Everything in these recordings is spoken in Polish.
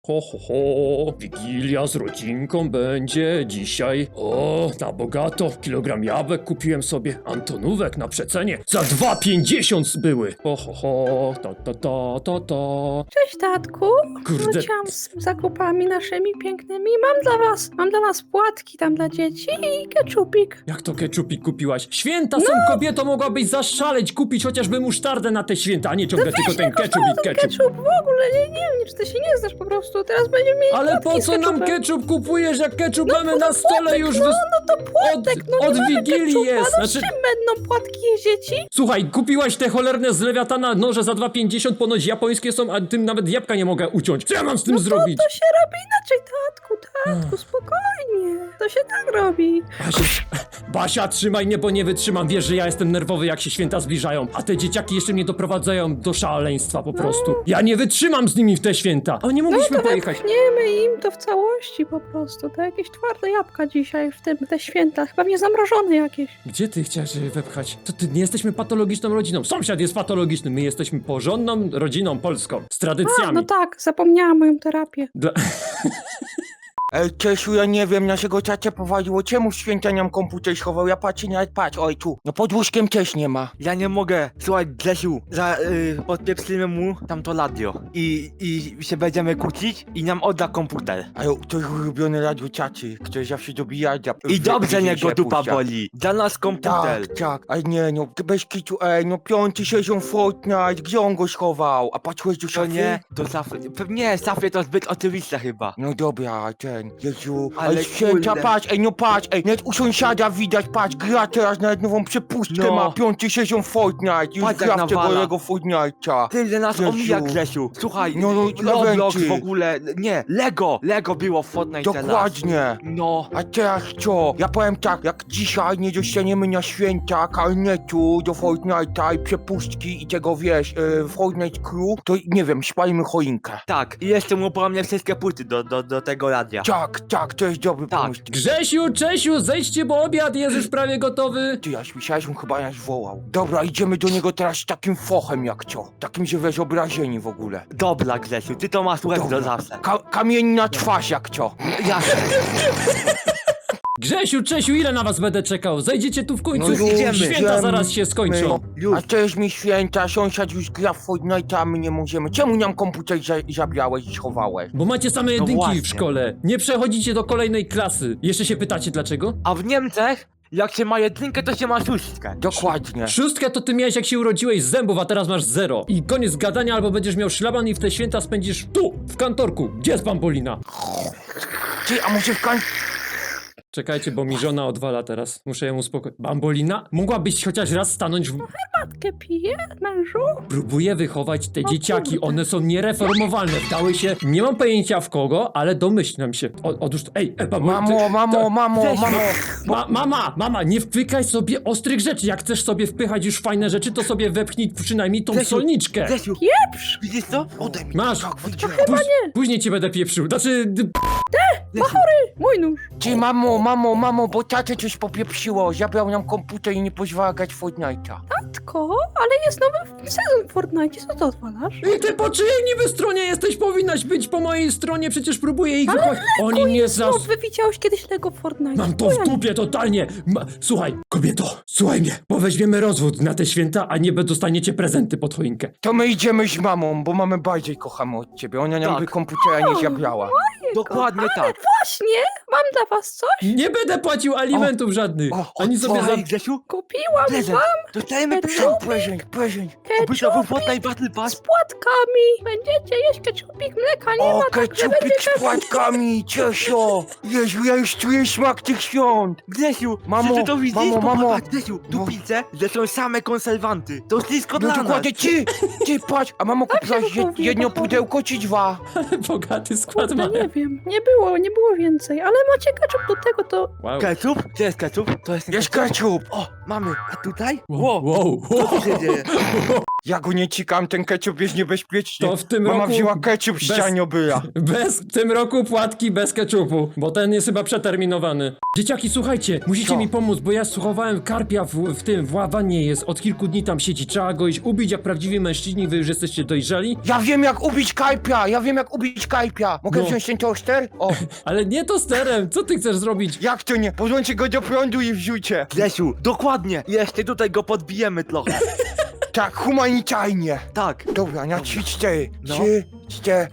Ho, ho, ho, Wigilia z rodzinką będzie dzisiaj. O, na bogato. Kilogram jabłek kupiłem sobie. Antonówek na przecenie. Za 2,50 były. Ho, ho, ho, ta. Cześć, tatku. Kurde. Wróciłam z zakupami naszymi pięknymi. Mam dla was płatki tam dla dzieci i keczupik. Jak to keczupik kupiłaś? Święta są, kobieto, mogłabyś zaszaleć, kupić chociażby musztardę na te święta, a nie ciągle tylko ten keczup i keczup. Keczup w ogóle, nie wiem, czy ty się nie znasz po prostu. Teraz będziemy mieli Ale płatki po z co nam keczupem. keczup kupujesz, jak keczup mamy na stole już No to płatek, od nie mamy Wigilii keczupa, jest. No czym będą płatki jeść dzieci? Słuchaj, kupiłaś te cholerne z Lewiatana noże za 2,50, ponoć japońskie są, a tym nawet jabłka nie mogę uciąć. Co ja mam z tym zrobić? To się robi inaczej, tatku, spokojnie. To się tak robi. Basia, trzymaj mnie, bo nie wytrzymam. Wiesz, że ja jestem nerwowy, jak się święta zbliżają, a te dzieciaki jeszcze mnie doprowadzają do szaleństwa po prostu. Ja nie wytrzymam z nimi w te święta. A nie mogliśmy pojechać. Wepchniemy im to w całości po prostu. To jakieś twarde jabłka dzisiaj w te święta. Chyba nie zamrożone jakieś. Gdzie ty chciałeś je wepchać? To ty nie jesteśmy patologiczną rodziną. Sąsiad jest patologiczny, my jesteśmy porządną rodziną polską. Z tradycjami. No tak, zapomniałam moją terapię. Ej, Czesiu, ja nie wiem, naszego ciacia powaliło. Czemu w święta nam komputer schował? Ja patrzę, nawet patrz, oj tu. No pod łóżkiem też nie ma. Ja nie mogę. Słuchaj, Grzesiu, podpieprzymy mu tamto radio i się będziemy kłócić i nam odda komputer. Ale to jest ulubione radio ciaci, które zawsze dobija. I dobrze niech go dupa boli. Dla nas komputer. Tak, ale nie no, bez kitu, no piąty sezon Fortnite, gdzie on go schował? A patrzyłeś do To szafy? nie, to Safy. Nie, Safy to zbyt oczywiste chyba. No dobra, Jezu, Ale ale święta, kurde. patrz, patrz, nawet u sąsiada widać, patrz, gra teraz nawet nową przepustkę No. ma, piąty sezon Fortnite, już Patrz, gra jak w tego nawala. jego Fortnite'a. Tyle nas Grzesiu. omija, Grzesiu. Słuchaj, No, Roblox eventy. w ogóle, nie, Lego było w Fortnite teraz. Dokładnie. No, A teraz co? Ja powiem tak, jak dzisiaj nie dostaniemy na święta karnetu do Fortnite'a i przepustki i tego, wiesz, Fortnite Crew, to nie wiem, spalimy choinkę. tak. I jeszcze mu po mnie wszystkie płyty do tego radia. Tak, to jest dobry Tak. pomysł. Grzesiu, Czesiu, zejdźcie, bo obiad jest już prawie gotowy. Ty, ja słyszałeś, on chyba nas wołał. Dobra, idziemy do niego teraz z takim fochem jak co. Takim, że wiesz, obrażeni w ogóle. Dobra, Grzesiu, ty to masz łeb do zawsze. Kamienna twarz jak co. Jasne. Grzesiu, Czesiu, ile na was będę czekał? Zejdziecie tu w końcu. No już idziemy. Święta zaraz się skończą. Już. A też mi święta, sąsiad już gra w Fortnite'a, a my nie możemy. Czemu nam komputer zabrałeś i schowałeś? Bo macie same jedynki właśnie. w szkole. Nie przechodzicie do kolejnej klasy. Jeszcze się pytacie dlaczego? A w Niemczech, jak się ma jedynkę, to się ma szóstkę. Dokładnie. Szóstkę to ty miałeś jak się urodziłeś z zębów, a teraz masz 0. I koniec gadania, albo będziesz miał szlaban i w te święta spędzisz tu, w kantorku. Gdzie jest Bambolina? Ty, a może w Czekajcie, bo mi żona odwala teraz. Muszę ją uspokoić. Bambolina? Mogłabyś chociaż raz stanąć w... Matkę piję, mężu? Próbuję wychować te dzieciaki, one są niereformowalne. Wdały się, nie mam pojęcia w kogo, ale domyślam się. Otóż to, Mama, nie wpykaj sobie ostrych rzeczy. Jak chcesz sobie wpychać już fajne rzeczy, to sobie wepchnij przynajmniej tą Grzesiu, solniczkę. Grzesiu, Pieprz! widzisz co? Ode mnie. Masz. Tak, wyjdziemy. Później cię będę pieprzył. Znaczy, Mój nóż. Ty, mamo, bo tatę coś popieprzyło. Zabrał nam komputer i nie pozwala grać w Fortnite'a. Tatko, ale jest nowy sezon w Fortnite, co ty odwalasz? i ty po czyjej niby stronie jesteś? Powinnaś być po mojej stronie, przecież próbuję ich wychować. Oni nie zas... No, wy widziałeś kiedyś Lego w Fortnite? Mam to w dupie totalnie! Słuchaj, kobieto, słuchaj mnie, bo weźmiemy rozwód na te święta, a nie dostaniecie prezenty pod choinkę. To my idziemy z mamą, bo mamy bardziej kochamy od ciebie. Ona nam Tak. by komputera nie zabrała. Dokładnie tak. Właśnie, mam dla was coś. Nie będę płacił alimentów żadnych, ani sobie za... Słuchaj, Grzesiu, Kupiłam prezent. wam Dostajemy prezent. Prezent. Oby to był keczupik Fortnite Battle Pass. z płatkami. Będziecie jeść keczupik, mleka nie O, ma, także keczupik będziecie... z płatkami, Czesio! Jezu, ja już czuję smak tych świąt! Grzesiu, Mamo, czy ty to widzisz? mamo. Popatrz, Grzesiu, tu No. pizzę, że są same konserwanty. To wszystko No dla nas. dokładnie, ty patrz, a mamo kupiłaś kupił, jedno kochany? pudełko czy dwa? Bogaty skład Kurde, ma. nie wiem, nie było więcej, ale macie keczup do tego, to... Wow. Ketchup? Gdzie jest ketchup? To jest ten Jest ketchup. ketchup! O, mamy. A tutaj? Wow. Co tu się dzieje? Ja go nie cikam, ten ketchup jest niebezpieczny. To w tym Mama roku wzięła ketchup w bez- ścianie obyla. W tym roku płatki bez keczupu, bo ten jest chyba przeterminowany. Dzieciaki, słuchajcie, musicie Co? mi pomóc, bo ja schowałem karpia w wannie jest, od kilku dni tam siedzi. Trzeba go iść ubić jak prawdziwi mężczyźni, wy już jesteście dojrzeli. Ja wiem jak ubić kajpia, Mogę No. wziąć ten toster? O, Ale nie tosterem, co ty chcesz zrobić? jak to nie? Podłączcie go do prądu i wrzucie. Grzesiu, dokładnie. Jeszcze tutaj go podbijemy trochę. Tak, humanitarnie. Tak. Dobra, na 3-4. No. 3-4.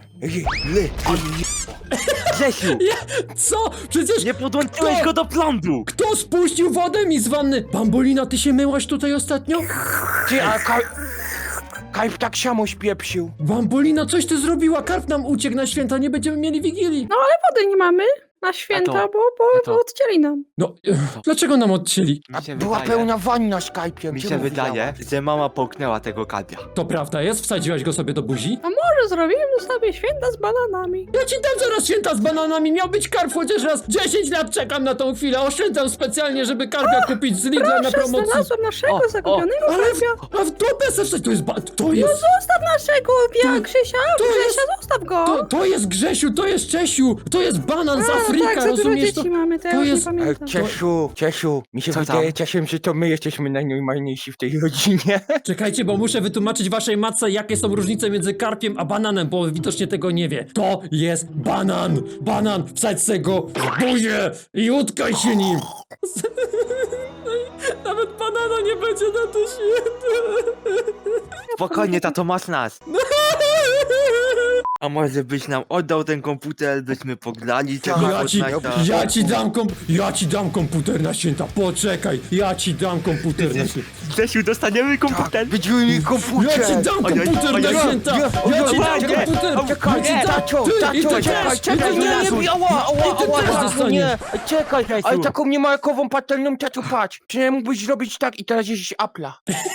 Grzesiu, Co? Przecież nie podłączyłeś Kto? go do prądu. kto spuścił wodę mi z wanny? Bambolina, ty się myłaś tutaj ostatnio? Ty, a Kajp tak samo spieprzył. Bambolina, coś ty zrobiła, karp nam uciekł na święta, nie będziemy mieli Wigilii. No ale wody nie mamy na święta, A to- bo odcięli nam. No, dlaczego nam odcięli? A Mi się była wydaje, pełna wanna z Kajpiem. mi Czemu się wydaje, wydałaś? że mama połknęła tego karpia. To prawda jest? Wsadziłaś go sobie do buzi? A może zrobimy sobie święta z bananami? Ja ci dam zaraz święta z bananami, miał być karp chociaż raz. 10 lat czekam na tą chwilę, oszczędzam specjalnie, żeby karpia kupić z Lidla na Proszę, promocji. znalazłem naszego O, zagubionego Ale karpia. a w dupę se wstać, to jest to No jest, zostaw naszego Grzesia, Grzesia, zostaw go. to jest Grzesiu, to jest Czesiu, to jest banan z Afryka, tak, za dużo rozumiesz to? dzieci mamy, to ja to już jest- nie pamiętam. Ciesiu, mi się Co wydaje tam? czasem, że to my jesteśmy najnormalniejsi w tej rodzinie. Czekajcie, bo muszę wytłumaczyć waszej matce, jakie są różnice między karpiem a bananem, bo widocznie tego nie wie. To jest banan! Banan! Wsadź se go w buzię i utkaj się nim! Nawet banana nie będzie na to święte! Spokojnie, tato, masz nas. A może byś nam oddał ten komputer, byśmy pograli tego Ja ci dam komputer na święta, poczekaj! Ja ci dam komputer na święta! Grzesiu, dostaniemy Tak, komputer. będziemy mieli komputer. Ja ci dam Ojej, komputer ojej, na święta! Ja ci dam nie, komputer! Czekaj, Ja ci dam- tacio, Ty, i ty czekaj, też, czekaj, i ty też. nie, ała, I ty też dostaniesz. nie, czekaj, ale Grzesiu. taką niemarkową patelnią, tato, patrz. Czy nie mógłbyś zrobić tak i teraz jeździć Apple'a?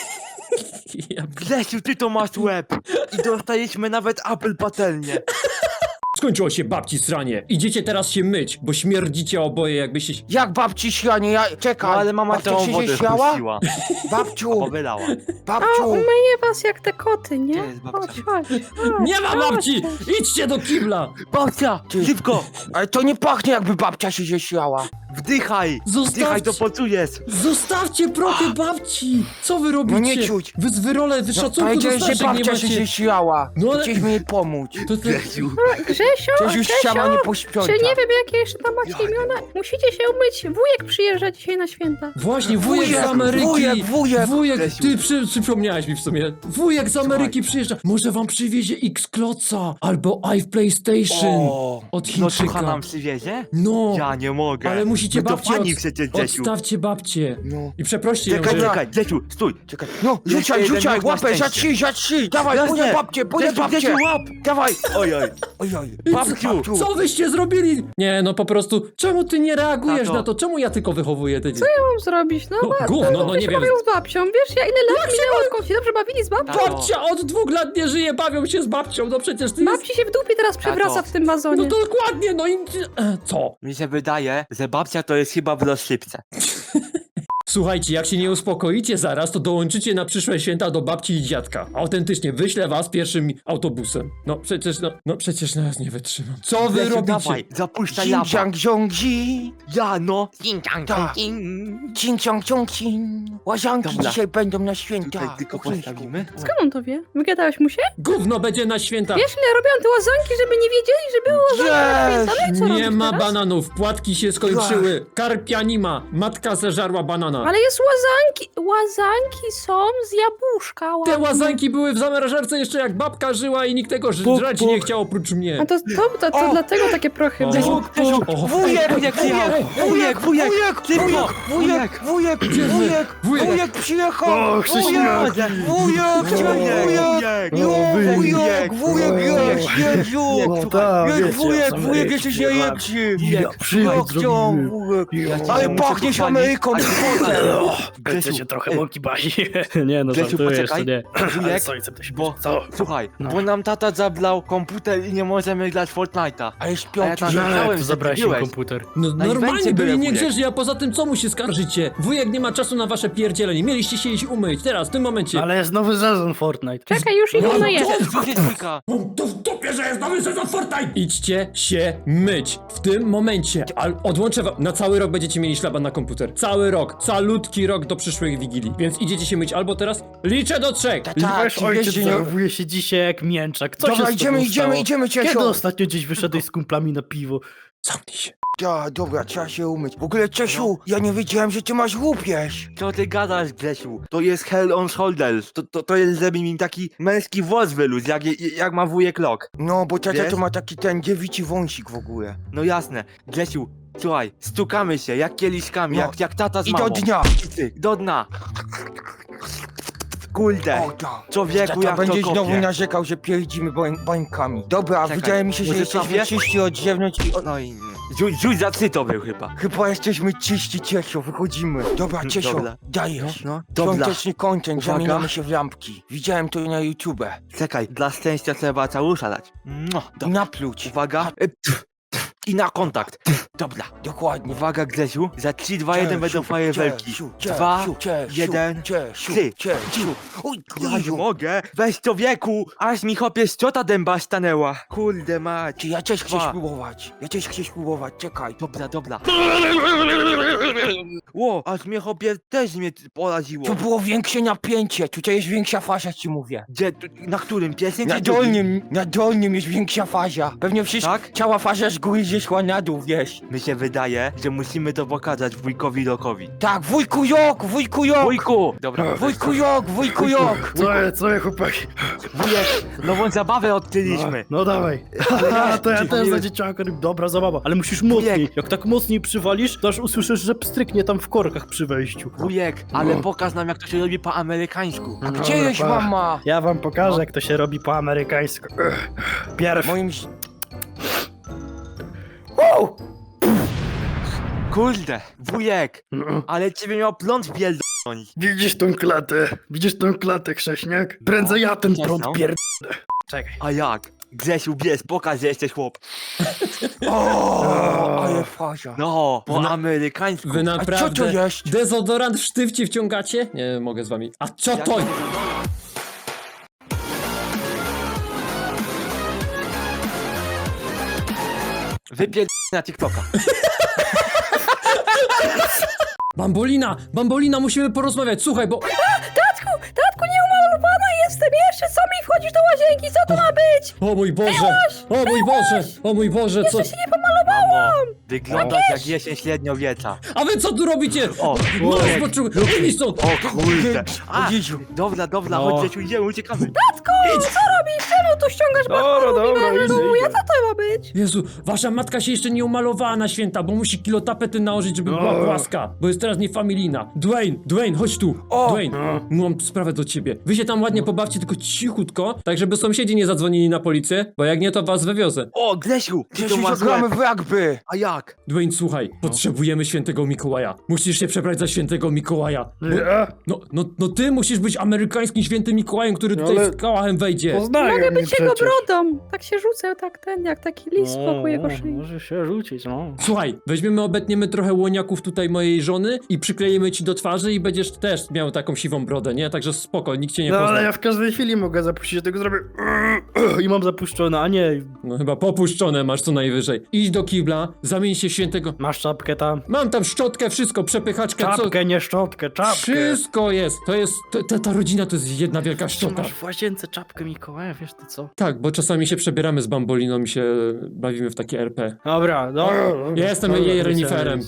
Ja Grzesiu, ty to masz łeb. I dostaliśmy nawet Apple patelnię. Skończyło się babci sranie. Idziecie teraz się myć, bo śmierdzicie oboje jakbyście... Jak babci ślanie, ja, No czekaj. ale mama babcia całą się wodę śmiała? spuściła. Babciu, Powylała. A babciu. umyję was jak te koty, nie? Gdzie jest babcia? Chodź. Nie ma chodź, babci! chodź. Idźcie do kibla! Babcia, Ty. szybko, Ale to nie pachnie jakby babcia się ześmiała. wdychaj. Zostawcie. Wdychaj, to poczujesz. Zostawcie prochy babci! Co wy robicie? No nie czuć. Wy z wyrole, wy szacunku do Powiedziałeś, że starszych nie babcia się macie. ześmiała. No ale- Chcieliśmy jej pomóc. To ty... Grzesiu. Grzesio, Coś już ściana nie posprząta. czy nie wiem jakie jeszcze tam macie imiona? Musicie się umyć. Wujek przyjeżdża dzisiaj na święta. Właśnie, wujek z Wujek, Ameryki! wujek. Grzesiu. Ty przypomniałeś mi w sumie. Wujek z Ameryki przyjeżdża. Może wam przywiezie X-Kloca albo PlayStation O, od No Chińczyka. słucha nam przywiezie? No, Ja nie mogę. ale musicie My to babcię fani przecież, Grzesiu. odstawcie babcię. No. I przeproście ją, Czekaj, że... czekaj, Grzesiu, stój. Czekaj. No, Jeszcze jeden rzucaj, ruch na łapę, za szczęście. 3. Dawaj, Jasne. pójdę babcię. Grzesiu, łap. Dawaj. Oj, oj. Ojoj, I babciu. Co wyście zrobili? Nie, no po prostu, czemu ty nie reagujesz Tato. na to? Czemu ja tylko wychowuję te dzieci? Co mam zrobić? No, No, gówno, no nie wiem. bawią z babcią. Wiesz, ja ile lat minęło, odkąd się dobrze bawili z babcią? Tato. Babcia od 2 lat nie żyje, bawią się z babcią, no przecież ty jest... Babci się w dupie teraz przewraca Tato. w tym wazonie. No dokładnie, no i... Co? Mi się wydaje, że babcia to jest chyba w rozsypce. Słuchajcie, jak się nie uspokoicie zaraz, to dołączycie na przyszłe święta do babci i dziadka. Autentycznie, wyślę was pierwszym autobusem. No przecież nas nie wytrzymam. Co wy Grzesiu, robicie? dawaj, zapuszczaj lapa. Cinciang ciągi. Ja no. Tak. Cinciang ciągi. Łazanki Dobra. dzisiaj będą na święta. Tutaj tylko Po chińsku. postawimy. Skąd on to wie? Wygadałeś mu się? Gówno będzie na święta. Wiesz, ile robią te łazanki, żeby nie wiedzieli, że były łazanki na święta? No i co Nie robić ma teraz? bananów, płatki się skończyły, karpia nie ma, matka zeżarła banana. Ale jest łazanki. Łazanki są z jabłuszka. Te ładne. łazanki były w zamrażarce jeszcze jak babka żyła i nikt tego żreć nie chciał oprócz mnie. A to O! dlatego takie prochy O. były. Wujek przyjechał! O, Krzyśniak. Wujek! Jezu! No, tak, Wujek! wujek, z wujek Ameryki jesteś przyjechałem. najlepszy. Ja przyjechałem z chciałam, wujek. Ale muszę pachniesz pochwalić. Ameryką, Będę się trochę mąki bawi. Nie no, Grzesiu, żartuję jeszcze, poczekaj. nie. Ale Wujek, co, chcę się bo, co? słuchaj, No. bo nam tata zablał komputer i nie możemy grać Fortnite'a. Ale A ja śpiący tam się. No, ale jak Myślałem, to że zabrałeś ty im byłeś. komputer? No Na normalnie evencie byli byłem, niegrzeczni, a poza tym co mu się skarżycie? Wujek nie ma czasu na wasze pierdzielenie. Mieliście się iść umyć, teraz, w tym momencie. Ale jest nowy sezon Fortnite. Czekaj, już idę na je. Gdzie jest dwójka? To w dupie, że jest nowy sezon Fortnite! Idźcie się myć w tym momencie. Odłączę wam, na cały rok będziecie mieli szlaban na komputer. Cały rok, calutki rok do przyszłej Wigilii. Więc idziecie się myć albo teraz, liczę do 3. Tak, Wasz czy ojciec wiesz, że nie... zachowuje się dzisiaj jak mięczak. Co Dobra, się z idziemy, tobą idziemy, stało? idziemy, Kiedy Czesio. ostatnio gdzieś wyszedłeś z kumplami na piwo? Zamknij się. Ja, dobra, trzeba się umyć. W ogóle, Czesiu, ja nie wiedziałem, że ty masz łupież. Co ty gadasz, Grzesiu? To jest Hell on Shoulders. To jest, żeby mi taki męski włos wylósł, jak ma wujek Lok. No, bo tata Wiesz? to ma taki ten dziewiczy wąsik w ogóle. No jasne. Grzesiu, słuchaj, stukamy się jak kieliszkami, No. jak tata z I mamą. do dnia. I ty, do dna. Kurde. O, tak. Człowieku, Tata jak to będzie znowu kopie. narzekał, że pierdzimy bańkami. Dobra, Czekaj, wydaje mi się, że może jesteśmy sobie? czyści od zewnątrz i... No i... Rzuć za to był chyba. Chyba jesteśmy czyści, Czesio, wychodzimy. Dobra, Czesio, Dobra. dajesz. No, dobra. Świąteczny content, Uwaga. zamieniamy się w lampki. Widziałem to na YouTube. Czekaj, dla szczęścia trzeba całusza dać. I napluć. Uwaga. I na kontakt. Dobra. Dokładnie. Uwaga, Grzesiu. Za 3, 2, 1 będą fajerwerki. 2, 1, 3. Oj, Ja nie Jezu. mogę. Weź człowieku. Aż mi chopie szczota dęba stanęła. Kurde mać. Czy ja też chcę Dwa. spróbować. Ja też chcę spróbować, czekaj. Dobra. Ło, aż mnie chopie też mnie poraziło. Tu było większe napięcie, tutaj jest większa faza, ci mówię. Gdzie, na którym? Pierwszym Na czy drugim? dolnym jest większa faza. Pewnie wszystko, Tak? cała faza z góry zeszła na dół, wiesz. Mi się wydaje, że musimy to pokazać wujkowi Lokowi. Tak, wujku Jok, wujku Jok! Wujku! Dobra, Wujku Jok, wujku Jok! Co je chłopaki? wujek, nową zabawę odkryliśmy. No dawaj. To ja też za dzieciaka. Dobra zabawa. Ale musisz mocniej. Jak tak mocniej przywalisz, to aż usłyszysz, że pstryknie tam w korkach przy wejściu. Wujek, ale pokaż nam jak to się robi po amerykańsku. A gdzie jest mama? Ja wam pokażę, jak to się robi po amerykańsku. Pierw. Moim... Kurde, wujek, No. ale ciebie miał pląd pierdolnąć. Widzisz tą klatę, Krześniak? Prędzej ja ten prąd Przestań. pierd... Czekaj. A jak? Grzesiu, bierz, pokaż, że jesteś chłop. O, ale faza. No, po Na- amerykańsku. Wy A co to naprawdę jest? dezodorant w sztywcie wciągacie? Nie mogę z wami. A co Jak- to? Wypierd... na TikToka. Bambolina, musimy porozmawiać. Słuchaj, bo... Tatku, nieumalowana jestem jeszcze, co mi wchodzisz do łazienki, co to ma być? O mój Boże! O mój Boże! O mój Boże, co... Jeszcze się nie pomalowałam! Wyglądasz jak jesień średniowiecza. A wy co tu robicie? O, Masz poczuł... Idź stąd! O kurde. A, Jezu. dobra, No. chodź Grzesiu, idziemy, uciekamy. Tatku, co robisz? Czemu tu ściągasz Dobra, Ja co to ma być? Jezu, wasza matka się jeszcze nie umalowała na święta, bo musi kilo tapety nałożyć, żeby była płaska. Bo jest teraz niefamilijna. Dwayne, chodź tu. O! Dwayne, mam sprawę do ciebie. Wy się tam ładnie pobawcie, tylko cichutko, tak żeby sąsiedzi nie zadzwonili na policję, bo jak nie, to was wywiozę. O, Grzesiu, ty to Grzesiu, masz zagramy łeb. w rugby. A jak? Dwayne, słuchaj, potrzebujemy świętego Mikołaja. Musisz się przebrać za świętego Mikołaja. No ty musisz być amerykańskim świętym Mikołajem, który tutaj ale- z kałachem wejdzie. Poznają Mogę mnie być jego przecież. brodą. Tak się rzucę, jak taki lis wokół jego szyi. Może się rzucić, no. Słuchaj, weźmiemy, obetniemy trochę łoniaków tutaj mojej żony i przykleimy ci do twarzy i będziesz też miał taką siwą brodę, nie? Także spoko, nikt cię nie No pozna. ale ja w każdej chwili mogę zapuścić, tego zrobię i mam zapuszczone, a nie. No chyba popuszczone masz co najwyżej. Idź do kibla, zamień się w świętego... Masz czapkę tam? Mam tam szczotkę, wszystko, przepychaczkę, Czapkę, nie szczotkę, czapkę. Wszystko jest. To jest... Ta rodzina to jest jedna wielka Czy szczota. masz w łazience czapkę Mikołaja, wiesz to co? Tak, bo czasami się przebieramy z bamboliną i się bawimy w takie RP. Dobra, no. Ja jestem jej reniferem.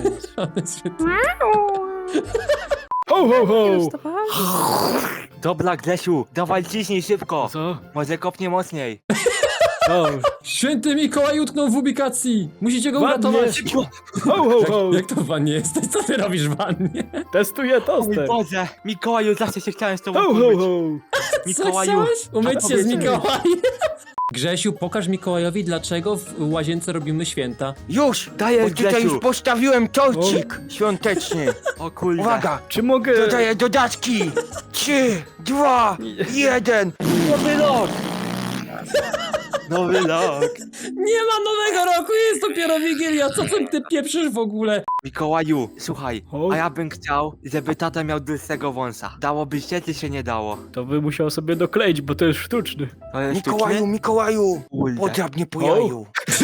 Ho, ho, ho! Dostawałam? Dobra, Grzesiu, dawaj ciśnij szybko. Co? Może kopnie mocniej. O, Święty Mikołaj utknął w ubikacji! Musicie go Ładnie. uratować! ho, ho, ho! Jak to w wannie jesteś? Co ty robisz w wannie? Testuję O mój toster. Boże, Mikołaju, zawsze się chciałem z tobą Ho, ho, umyć. ho! Mikołaju, Co chciałeś? Umyć się z powiedz mi. Mikołajem! Grzesiu, pokaż Mikołajowi, dlaczego w łazience robimy święta. Już! Daję, Bo tutaj Grzesiu. już postawiłem torcik świąteczny. O kurde. Uwaga! Czy mogę... Dodaję dodatki! 3, 2, 1. Nowy rok! Nowy rok! Nie ma nowego roku, jest dopiero Wigilia, co ty pieprzysz w ogóle? Mikołaju, słuchaj, O. a ja bym chciał, żeby tata miał długego wąsa. Dałoby się, czy się nie dało? To by musiał sobie dokleić, bo to jest sztuczny. To jest Mikołaju, sztuczny? Mikołaju! Kurde. Podrap mnie po O. jaju.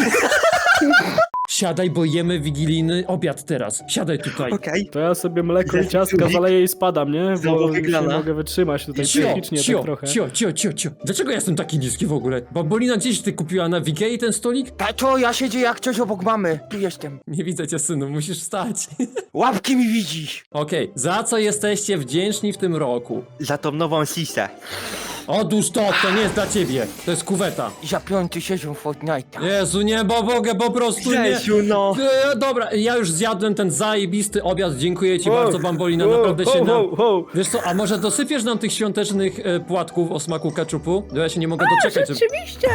Siadaj, bo jemy wigilijny obiad teraz. Siadaj tutaj. Okej. To ja sobie mleko i ciastka zaleję i spadam, nie? Znowu Bo już nie wygrana. mogę wytrzymać tutaj Cio, psychicznie tak trochę. cio. Dlaczego ja jestem taki niski w ogóle? Babolina, gdzieś ty kupiła na Wigei ten stolik? Tato, ja siedzę jak coś obok mamy. Tu jestem. Nie widzę cię, synu, musisz wstać. Łapki mi widzisz. Okej, za co jesteście wdzięczni w tym roku? Za tą nową sisę. Otóż to nie jest dla ciebie. To jest kuweta. Za 5. sezon Fortnite'a. Jezu, nie, bo mogę po prostu nie. Grzesiu, no! Dobra, ja już zjadłem ten zajebisty obiad, dziękuję ci bardzo, Bambolina, naprawdę się nam... Wiesz co, a może dosypiesz nam tych świątecznych płatków o smaku keczupu? Bo ja się nie mogę doczekać, żeby... Rzeczywiście,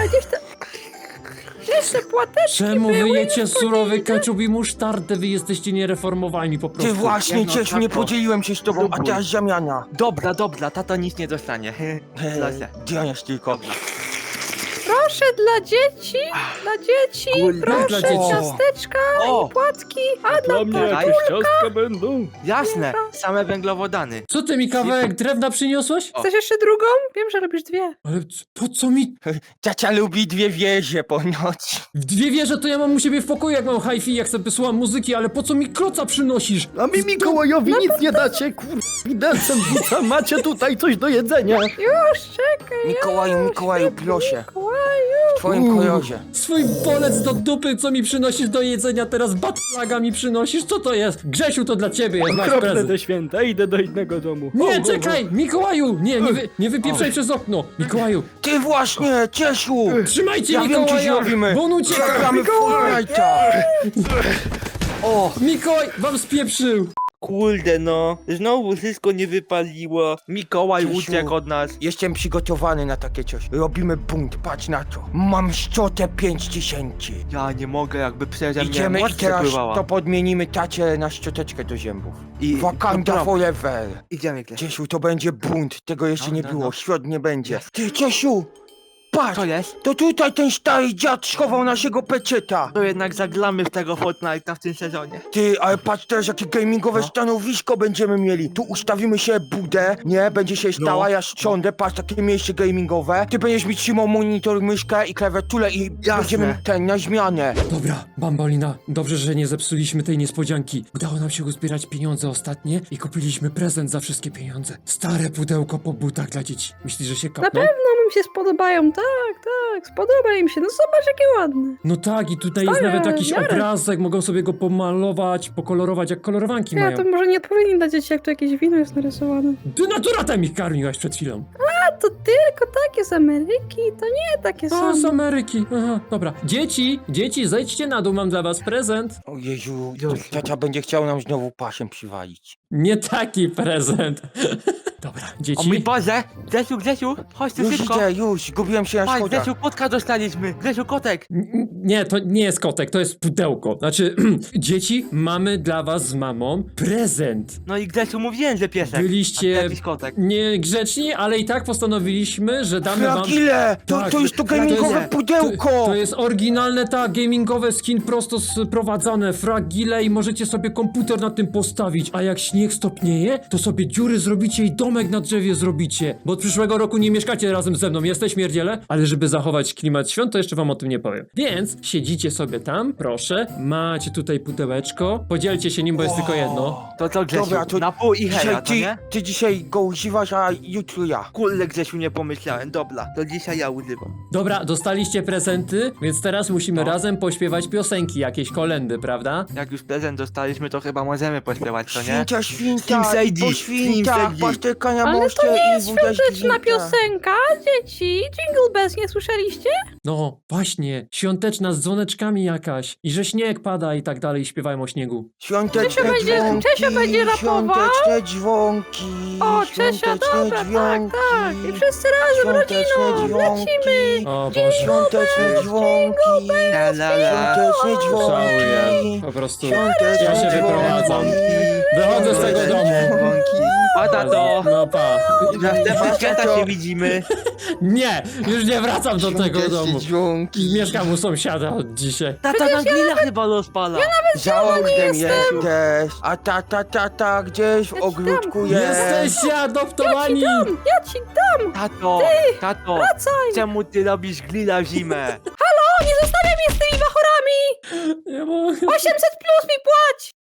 gdzieś te płateczki Czemu były, wy już jecie po surowy nich, keczup i musztardę? Wy jesteście niereformowani po prostu. Ty właśnie, Nie no, Ciesiu, nie tato. podzieliłem się z tobą, a teraz zamiana. Dobra, tata nic nie dostanie. Proszę. Dianasz tylko. Proszę, dla dzieci, Kurde, proszę, dla dzieci. ciasteczka O. i płatki, a dla Dla mnie Daj. jakieś ciastka będą. Jasne, same węglowodany. Co ty mi kawałek drewna przyniosłeś? Chcesz jeszcze drugą? Wiem, że robisz dwie. Ale po co mi... Tacia lubi 2 wieże ponoć. W dwie wieże to ja mam u siebie w pokoju, jak mam hi-fi, jak sobie słucham muzyki, ale po co mi kloca przynosisz? A mi Mikołajowi nic nie dacie, widelcem rzucam, macie tutaj coś do jedzenia. Już, czekaj, Mikołaju, proszę. Mikołaju. W twoim kolorze. Swój bolec do dupy, co mi przynosisz do jedzenia, teraz batlaga mi przynosisz? Co to jest? Grzesiu, to dla ciebie jest nasz Okropne prezent. te święta, idę do innego domu. Nie, czekaj! Mikołaju! Nie wypieprzaj przez okno! Mikołaju! Ty właśnie, Ciesiu! Trzymajcie Ja wiem, co Mikołaja! zrobimy. Bo on ucieka! Zagramy w Fortnite'a. O, Mikołaj wam spieprzył! kurde no. Znowu wszystko nie wypaliło. Mikołaj Ciesiu. uciekł od nas. Jestem przygotowany na takie coś. Robimy bunt, patrz na to. Mam szczotę 5000. Ja nie mogę, jakby przeze mnie Idziemy i moc teraz przepływała. to podmienimy tacie na szczoteczkę do zębów. I- Wakanda dobra. forever. Idziemy, Grzesiu. Ciesiu, to będzie bunt. Tego jeszcze nie Dobra, było. no. Świąt nie będzie. Ty, Ciesiu! Patrz! Co jest? To tutaj ten stary dziad schował naszego peczeta. To jednak zaglamy w tego Fortnite'a w tym sezonie. Ty, ale patrz teraz jakie gamingowe No. stanowisko będziemy mieli. Tu ustawimy się budę, nie? Będzie się stała, No. ja siądę, patrz, takie miejsce gamingowe. Ty będziesz mi trzymał monitor, myszkę i klawiaturę i będziemy na zmianę. Dobra, Bambolina, dobrze, że nie zepsuliśmy tej niespodzianki. Udało nam się uzbierać pieniądze ostatnie i kupiliśmy prezent za wszystkie pieniądze. Stare pudełko po butach dla dzieci. Myślisz, że się Na kapną? pewno mi się spodobają, tak, spodoba im się. No zobacz, jakie ładne. No tak, i tutaj jest Stare, nawet jakiś miarę. obrazek, mogą sobie go pomalować, pokolorować, jak kolorowanki Ja mają. to może nie odpowiedni dla dzieci, jak tu jakieś wino jest narysowane. Ty naturatem ich karmiłaś przed chwilą. A to tylko takie z Ameryki, to nie takie O, z są. Ameryki. Aha, dobra. Dzieci, zejdźcie na dół, mam dla was prezent. O Jezu, tata będzie chciał nam znowu pasiem przywalić. Nie taki prezent. Dobra, O mój dzieci. Boże! Grzesiu, chodź tu Już szybko! idę, już, zgubiłem się na Patrz, schodach. Grzesiu, kotka dostaliśmy! Grzesiu, kotek! Nie, to nie jest kotek, to jest pudełko. Znaczy, dzieci, mamy dla was z mamą prezent. No i Grzesiu, mówiłem, że piesek. Byliście A ty jakiś kotek. niegrzeczni, ale i tak postanowiliśmy, że damy wam... Fragile! Tak, To jest to to jest- gamingowe pudełko! To jest oryginalne, tak, gamingowe skin prosto sprowadzane, fragile i możecie sobie komputer na tym postawić, a jak śnieg stopnieje, to sobie dziury zrobicie i domek na drzewie zrobicie, bo od przyszłego roku nie mieszkacie razem ze mną, jesteś śmierdziele? Ale żeby zachować klimat świąt, to jeszcze wam o tym nie powiem. Więc siedzicie sobie tam, proszę, macie tutaj pudełeczko, podzielcie się nim, bo jest tylko jedno. To co, Grzesiu? Dobra, to na pół i heja, Dzisiaj to nie? ty dzisiaj go używasz, a jutro ja. Kurde, Grzesiu, nie pomyślałem. Dobra, to dzisiaj ja używam. Dobra, dostaliście prezenty, więc teraz musimy razem pośpiewać piosenki, jakieś kolendy, prawda? Jak już prezent dostaliśmy, to chyba możemy pośpiewać, co nie? Świnka, Slim Shady, po Slim świnkach, Shady. patrz te Choineczka na Ale moście to nie i jest wódeczki świąteczna winka. piosenka, dzieci. Jingle Bells, nie słyszeliście? No, właśnie, świąteczna z dzwoneczkami jakaś. I że śnieg pada i tak dalej, śpiewają o śniegu. Świąteczne Czesio dzwonki, będzie rapował. świąteczne dzwonki, O, Czesia, świąteczne dobra, tak, dzwonki, tak. I wszyscy razem, świąteczne rodziną, dzwonki, lecimy. O Boże, świąteczne dzwonki, La la la. świąteczne żałuję. dzwonki, Po prostu świąteczne ja się dzwonki. wyprowadzam. Wychodzę z tego domu. Pada to! No pa. Następne święta się widzimy. Nie, już nie wracam do tego Świąteczne domu. dzwonki. Mieszkam u sąsiada od dzisiaj. Tata na grilla chyba rozpala. Za ognem jesteś, a tata gdzieś w ogródku jest. Jesteście adoptowani! Ja ci dam, Tato, wracaj. czemu ty robisz grilla w zimę? O, nie zostawiaj mnie z tymi bachorami. Nie mogę. 800 plus mi płać.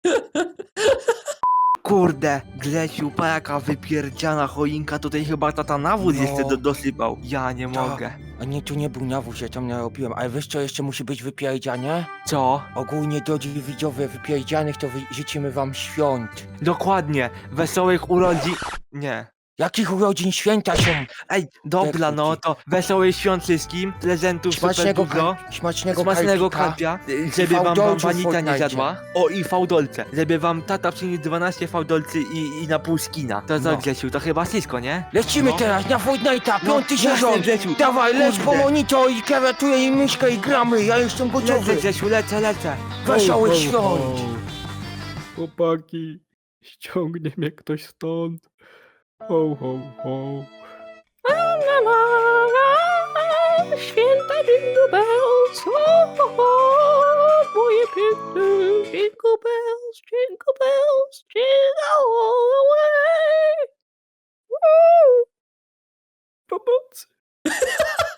Kurde, Grzesiu, pa jaka wypierdziana choinka, tutaj chyba tata nawóz No. jeszcze dosypał. Ja nie Tak. mogę. A nie, to nie był nawóz, ja tam narobiłem, ale wiesz co jeszcze musi być wypierdziane? Co? Ogólnie drodzy widzowie wypierdzianych to życzymy wam świąt. Dokładnie, wesołych urodzin... Nie. Jakich urodzin święta są? Ej, dobra, no to wesołych świąt wszystkim, prezentów super Smacznego, dużo. kalpika. Smacznego karpia, żeby wam fałdolców Wanita nie Fortnite. zjadła. O, i fałdolce, żeby wam tata przyniósł 12 fałdolcy i na pół skina. To co, No. Grzesiu, to chyba wszystko, nie? Lecimy No. teraz na Fortnite'a, No, piąty jasne, sezon. Grzesiu. Dawaj, leć po Kurde. monitor i klawiaturę i myszkę i gramy, ja jestem gotowy. Lecę, Grzesiu, lecę. Wesołych świąt. Chłopaki, ściągnie mnie ktoś stąd. Ho, ho, ho. Święta Jingle Bells, moje piękne Jingle Bells, Jingle Bells, jingle all the way. Woo! Pomocy.